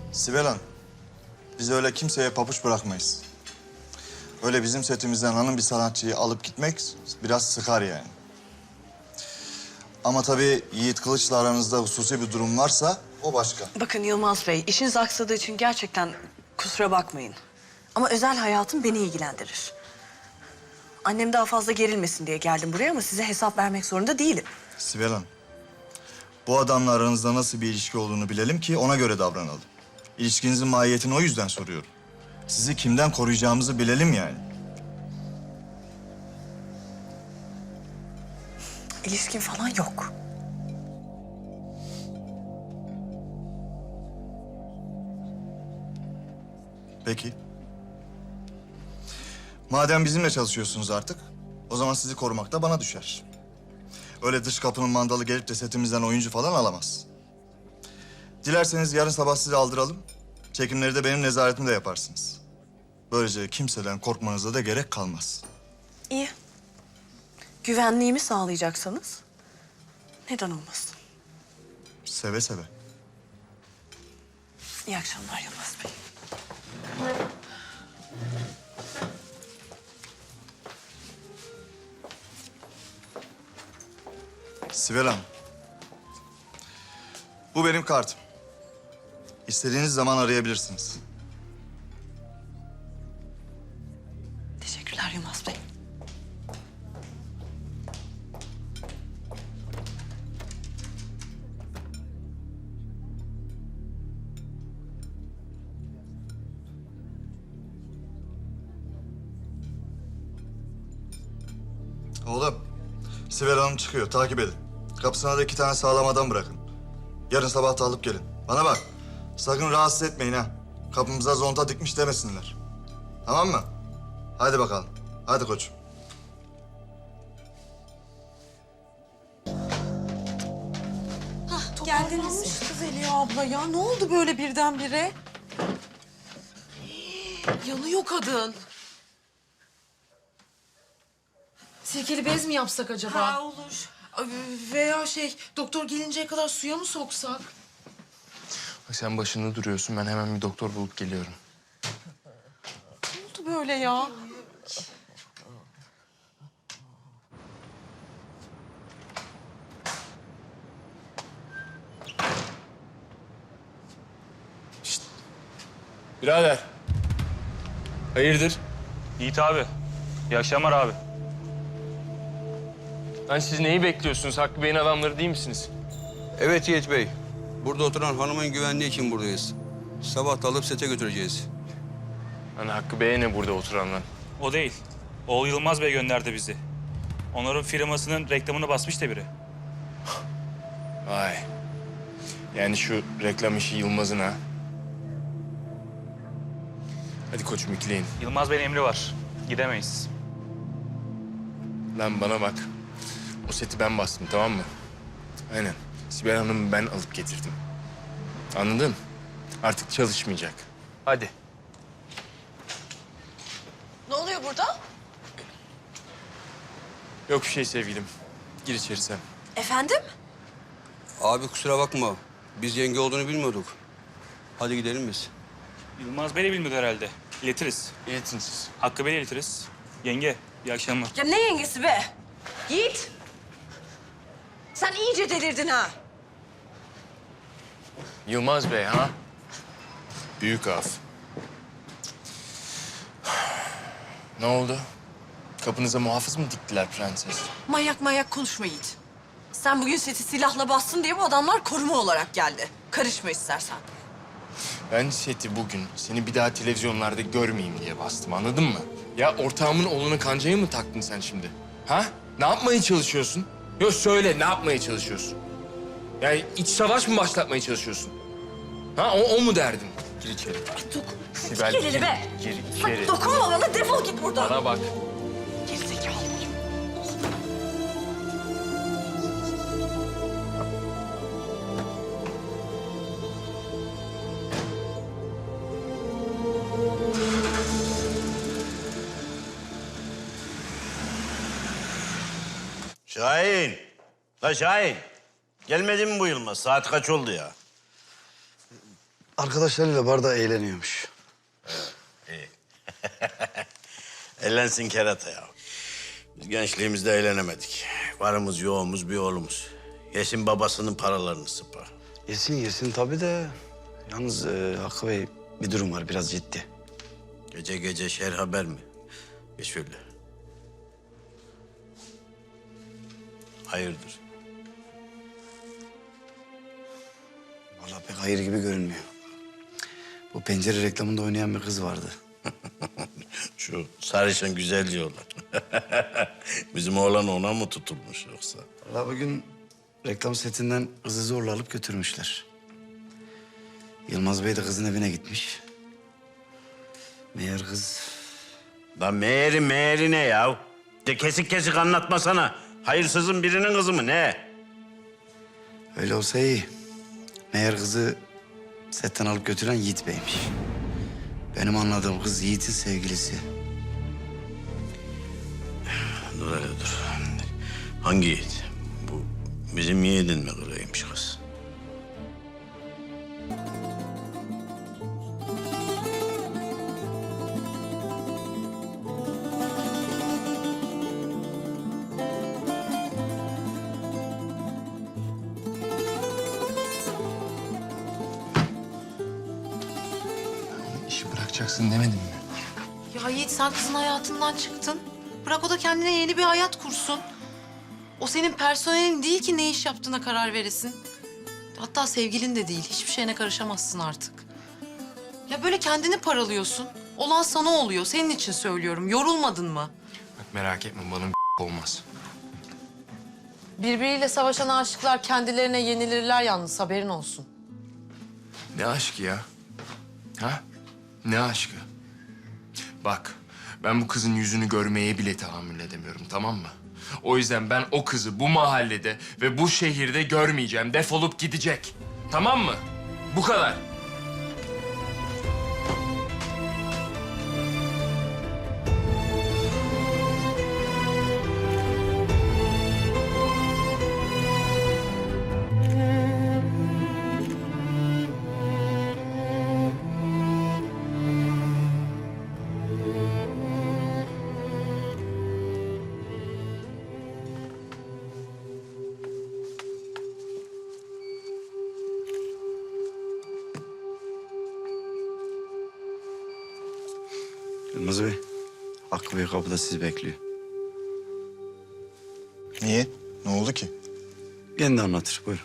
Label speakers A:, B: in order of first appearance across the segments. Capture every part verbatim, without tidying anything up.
A: Sibel Hanım, biz öyle kimseye pabuç bırakmayız. Öyle bizim setimizden hanım bir sanatçıyı alıp gitmek biraz sıkar yani. Ama tabii Yiğit Kılıç'la aranızda hususi bir durum varsa o başka.
B: Bakın Yılmaz Bey, işiniz aksadığı için gerçekten kusura bakmayın. Ama özel hayatım beni ilgilendirir. Annem daha fazla gerilmesin diye geldim buraya ama size hesap vermek zorunda değilim.
A: Sibel Hanım, bu adamla aranızda nasıl bir ilişki olduğunu bilelim ki ona göre davranalım. İlişkinizin mahiyetini o yüzden soruyorum. Sizi kimden koruyacağımızı bilelim yani.
B: İlişkin falan yok.
A: Peki. Madem bizimle çalışıyorsunuz artık, o zaman sizi korumak da bana düşer. Öyle dış kapının mandalı gelip de setimizden oyuncu falan alamaz. Dilerseniz yarın sabah sizi aldıralım. Çekimleri de benim nezaretimde yaparsınız. Böylece kimseden korkmanıza da gerek kalmaz.
B: İyi. Güvenliğimi sağlayacaksanız neden olmasın?
A: Seve seve.
B: İyi akşamlar Yılmaz Bey.
A: Sibel Hanım. Bu benim kartım. İstediğiniz zaman arayabilirsiniz.
B: Teşekkürler Yılmaz Bey.
A: Oğlum, Sibel Hanım çıkıyor. Takip edin. Kapısına da iki tane sağlam adam bırakın. Yarın sabah da alıp gelin. Bana bak, sakın rahatsız etmeyin ha. Kapımıza zonta dikmiş demesinler. Tamam mı? Hadi bakalım. Hadi koçum.
C: Geldiniz. Kız Eliya abla ya. Ne oldu böyle birdenbire? Yanıyor kadın. Sirkeli bez mi yapsak acaba?
B: Ha, olur.
C: Veya şey, doktor gelinceye kadar suya mı soksak?
D: Bak sen başında duruyorsun. Ben hemen bir doktor bulup geliyorum.
C: Ne oldu böyle ya?
D: Birader. Hayırdır?
E: Yiğit abi. İyi akşamlar abi.
D: Lan siz neyi bekliyorsunuz? Hakkı Bey'in adamları değil misiniz?
F: Evet Yiğit Bey. Burada oturan hanımın güvenliği için buradayız. Sabah da alıp sete götüreceğiz.
D: Lan Hakkı Bey'e ne burada oturanlar?
E: O değil. Oğul Yılmaz Bey gönderdi bizi. Onların firmasının reklamını basmış da biri.
D: Vay. Yani şu reklam işi Yılmaz'ın ha. Hadi koçum ikleyin.
E: Yılmaz Bey'in emri var. Gidemeyiz.
D: Lan bana bak. O seti ben bastım, tamam mı? Aynen. Sibel Hanım'ı ben alıp getirdim. Anladın? Artık çalışmayacak. Hadi.
B: Ne oluyor burada?
D: Yok bir şey sevgilim. Gir içeri sen.
B: Efendim?
F: Abi kusura bakma. Biz yenge olduğunu bilmiyorduk. Hadi gidelim biz.
E: Yılmaz Bey de bilmiyor herhalde. İletiriz.
D: İletin siz.
E: Hakkı Bey'le iletiriz. Yenge, iyi akşamlar.
B: Ya ne yengesi be? Yiğit! Sen iyice delirdin ha.
D: Yılmaz Bey ha? Büyük af. Ne oldu? Kapınıza muhafız mı diktiler prenses?
B: Manyak manyak konuşma Yiğit. Sen bugün seti silahla bastın diye bu adamlar koruma olarak geldi. Karışma istersen.
D: Ben seti bugün seni bir daha televizyonlarda görmeyeyim diye bastım, anladın mı? Ya ortağımın oğluna kancayı mı taktın sen şimdi? Ha? Ne yapmaya çalışıyorsun? Yok söyle, ne yapmaya çalışıyorsun? Yani iç savaş mı başlatmaya çalışıyorsun? Ha, o, o mu derdin? Gir içeri.
B: Dokun.
D: Sibel,
B: Gel eli
D: gir,
B: be.
D: gir
B: Bak,
D: içeri.
B: dokunma bana, defol git buradan.
D: Bana bak.
B: Gerizekalı.
G: Şahin. La Şahin. Gelmedi mi bu Yılmaz? Saat kaç oldu ya?
H: Arkadaşlarıyla barda eğleniyormuş.
G: Eğlensin kerata ya. Biz gençliğimizde eğlenemedik. Varımız yoğumuz bir oğlumuz. Yesin babasının paralarını sıpa.
H: Yesin yesin tabii de. Yalnız e, Hakkı Bey bir durum var biraz ciddi.
G: Gece gece şer haber mi? Geç şöyle. Hayırdır?
H: Vallahi pek hayır gibi görünmüyor. Bu pencere reklamında oynayan bir kız vardı.
G: Şu sarışın güzel diyorlar. Bizim oğlan ona mı tutulmuş yoksa?
H: Vallahi bugün reklam setinden kızı zorla alıp götürmüşler. Yılmaz Bey de kızın evine gitmiş. Meğer kız...
G: Lan meğeri meğeri ne ya? De kesik kesik anlatmasana. Hayırsızın birinin kızı mı ne?
H: Öyle olsa iyi. Meğer kızı setten alıp götüren Yiğit Bey'miş. Benim anladığım kız Yiğit'in sevgilisi.
G: Dur hele dur. Hangi yiğit? Bu bizim yiğidin mi kırıymış kız?
D: İşi bırakacaksın demedim mi?
C: Ya Yiğit sen kızın hayatından çıktın. Bırak o da kendine yeni bir hayat kursun. O senin personelin değil ki ne iş yaptığına karar veresin. Hatta sevgilin de değil. Hiçbir şeyine karışamazsın artık. Ya böyle kendini paralıyorsun. Olan sana oluyor. Senin için söylüyorum. Yorulmadın mı?
D: Bak merak etme bana olmaz.
C: Birbiriyle savaşan aşıklar kendilerine yenilirler yalnız. Haberin olsun.
D: Ne aşkı ya? Ha? Ne aşkı? Bak, ben bu kızın yüzünü görmeye bile tahammül edemiyorum, tamam mı? O yüzden ben o kızı bu mahallede ve bu şehirde görmeyeceğim. Defolup gidecek. Tamam mı? Bu kadar.
H: Yılmaz Bey, Hakkı Bey kapıda sizi bekliyor.
A: Niye? Ne oldu ki?
H: Kendi anlatır, buyurun.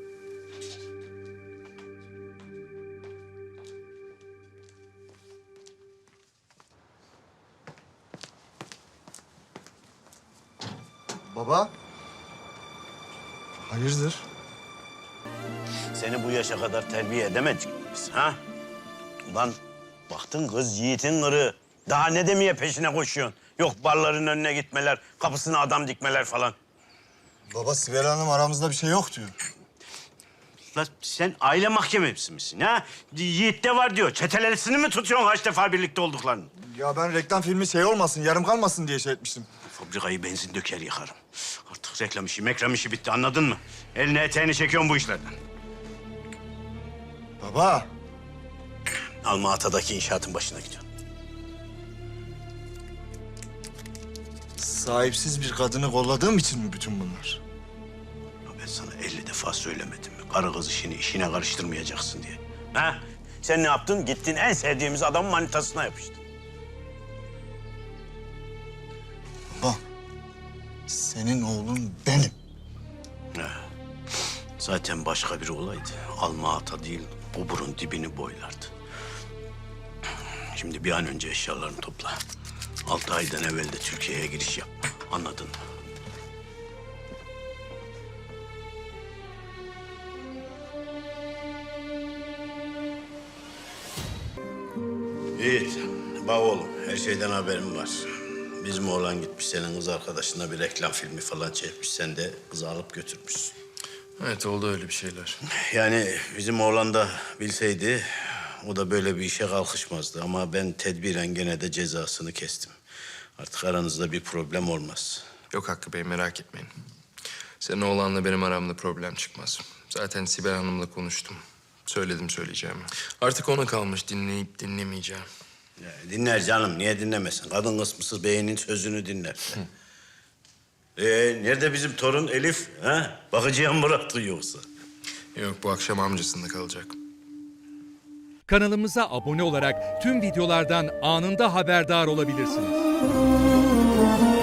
A: Baba. Hayırdır?
G: Seni bu yaşa kadar terbiye edemedik mi biz ha? Ulan baktın kız yiğitin kırığı. Daha ne demeye peşine koşuyorsun? Yok barların önüne gitmeler, kapısına adam dikmeler falan.
A: Baba Sibel Hanım aramızda bir şey yok diyor.
G: Lan sen aile mahkemesi misin ha? Yiğit'te var diyor. Çetelesini mi tutuyorsun kaç defa birlikte olduklarını?
A: Ya ben reklam filmi şey olmasın, yarım kalmasın diye şey etmiştim.
G: Fabrikayı benzin döker yıkarım. Artık reklam işi, mekram işi bitti anladın mı? Eline eteğini çekiyorsun bu işlerden.
A: Baba.
G: Alma Ata'daki inşaatın başına gidiyorsun.
A: Sahipsiz bir kadını kolladığım için mi bütün bunlar?
G: Ya ben sana elli defa söylemedim mi? Karı kız işini işine karıştırmayacaksın diye. Ha? Sen ne yaptın? Gittin en sevdiğimiz adamın manitasına yapıştın.
A: Baba. Senin oğlun benim.
G: Ha. Zaten başka biri olaydı. Alma Ata değil, oburun dibini boylardı. Şimdi bir an önce eşyalarını topla. Altı aydan evvel de Türkiye'ye giriş yap. Anladın mı? Yiğit, bak oğlum her şeyden haberim var. Bizim oğlan gitmiş senin kız arkadaşına bir reklam filmi falan çekmiş. Sen de kızı alıp götürmüşsün.
D: Evet oldu öyle bir şeyler.
G: Yani bizim oğlan da bilseydi o da böyle bir işe kalkışmazdı. Ama ben tedbiren gene de cezasını kestim. Artık aranızda bir problem olmaz.
D: Yok Hakkı Bey merak etmeyin. Senin oğlanla benim aramda problem çıkmaz. Zaten Sibel Hanım'la konuştum. Söyledim söyleyeceğimi. Artık ona kalmış dinleyip dinlemeyeceğim.
G: Ya, dinler canım, niye dinlemesin? Kadın kısmısız beynin sözünü dinler. Ee, nerede bizim torun Elif? Ha? Bakıcıya mı bıraktın yoksa?
D: Yok, bu akşam amcasında kalacak.
I: Kanalımıza abone olarak tüm videolardan anında haberdar olabilirsiniz.